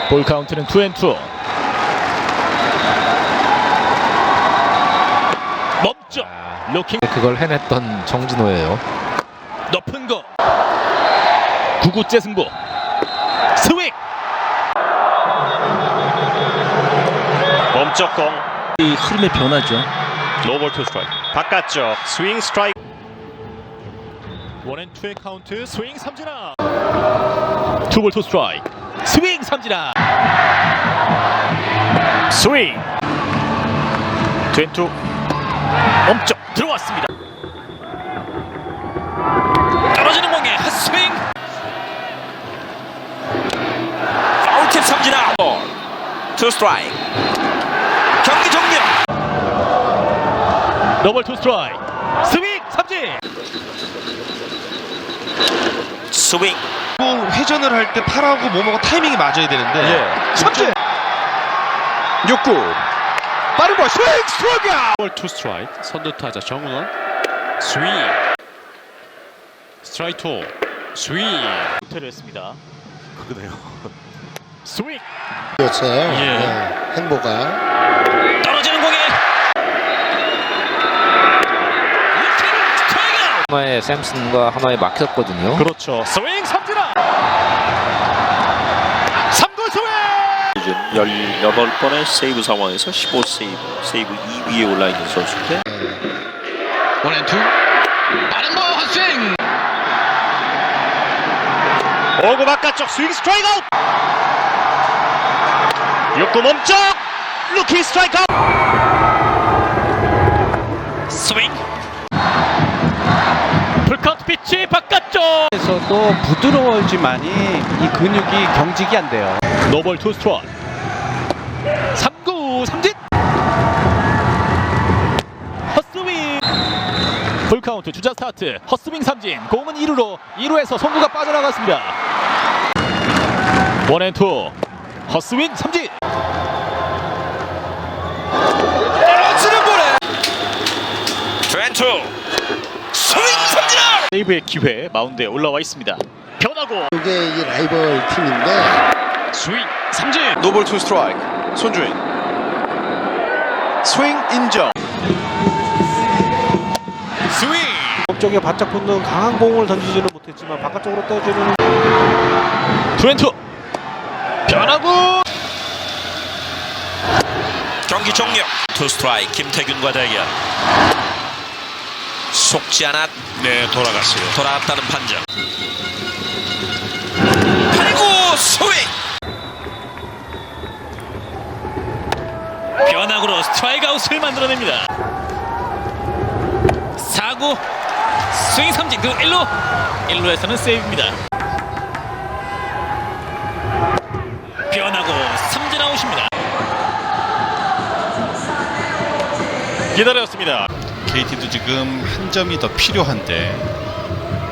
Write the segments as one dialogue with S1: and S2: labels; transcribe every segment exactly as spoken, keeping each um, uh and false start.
S1: 볼 카운트는 투 앤 투. 멈춰. 로킹.
S2: 그걸 해냈던 정진호예요.
S1: 높은 거. 구구째 승부. 스윙.
S3: 멈쩍 공.
S4: 이 흐름의 변화죠.
S3: 노볼 투 스트라이크. 바깥쪽 스윙 스트라이크.
S1: 원앤 투의 카운트. 스윙 삼진아. 투볼 투 스트라이크. 스윙 삼진아.
S3: 스윙. 투 앤 투.
S1: 멈춰 들어왔습니다. 떨어지는 공에 핫스윙. 파울팁 삼진아.
S3: 투 스트라이크.
S1: 경기 종료. 더블 투 스트라이크. 스윙 삼진.
S3: 스윙.
S5: 회전을 할 때 팔하고 몸하고 타이밍이 맞아야 되는데
S1: 예. 삼진. 육 구. 빠른 볼 스윙 스트라이크.
S6: 볼 투 스트라이크. 선두 타자 정은원. 스윙. 스트라이크 투. 스윙.
S1: 호텔을 했습니다.
S3: 그러네요.
S1: 스윙.
S7: 였어요.
S1: 예.
S7: 네, 행보가
S1: 떨어지는 공에
S2: 하나의 샘슨과 하나에 막혔거든요.
S1: 그렇죠. 스윙 삼진아. 삼 구 스윙.
S8: 시즌 열여덟 번의 세이브 상황에서 십오 세이브, 세이브 이 위에 올라있는 선수인데
S4: 원앤투. 빠른 볼 헛스윙.
S3: 오구 바깥쪽 스윙 스트라이크 아웃. 육 구 멈쩍. 루키 스트라이크 아웃.
S1: 스윙. 풀카운트 피치 바깥쪽.
S4: 에서도 부드러워지만이 이 근육이 경직이 안 돼요.
S1: 노볼 투 스트라이크. 삼 구 삼진. 헛스윙. 풀카운트 주자 스타트. 헛스윙 삼진. 공은 이 루로. 이 루에서 송구가 빠져나갔습니다. 원앤투. 헛스윙 삼진. 떨어지는 볼에 투 앤 투. 스윙 삼진아. 세이브의 기회 마운드에 올라와 있습니다. 변하고
S7: 이게 이 라이벌 팀인데
S1: 스윙 삼진.
S5: 노볼 투 스트라이크. 손주인 스윙 인정.
S1: 스윙.
S4: 쪽에 바짝 붙는 강한 공을 던지지는 못했지만 바깥쪽으로 떠주는
S1: 투 앤 투. 변하고
S8: 경기 종료. 투 스트라이크 김태균과 대결. 속지 않았.
S3: 네, 돌아갔어요.
S8: 돌아왔다는 판정. 팔 구 스윙.
S1: 변화구로 스트라이크 아웃을 만들어냅니다. 사 구 스윙 삼진. 그 일 루. 일 루에서는 세이브입니다. 변화구 삼진 아웃입니다. 기다렸습니다.
S6: 케이티도 지금 한 점이 더 필요한데.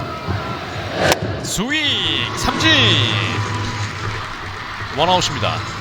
S6: 스윙 삼진. 원아웃입니다.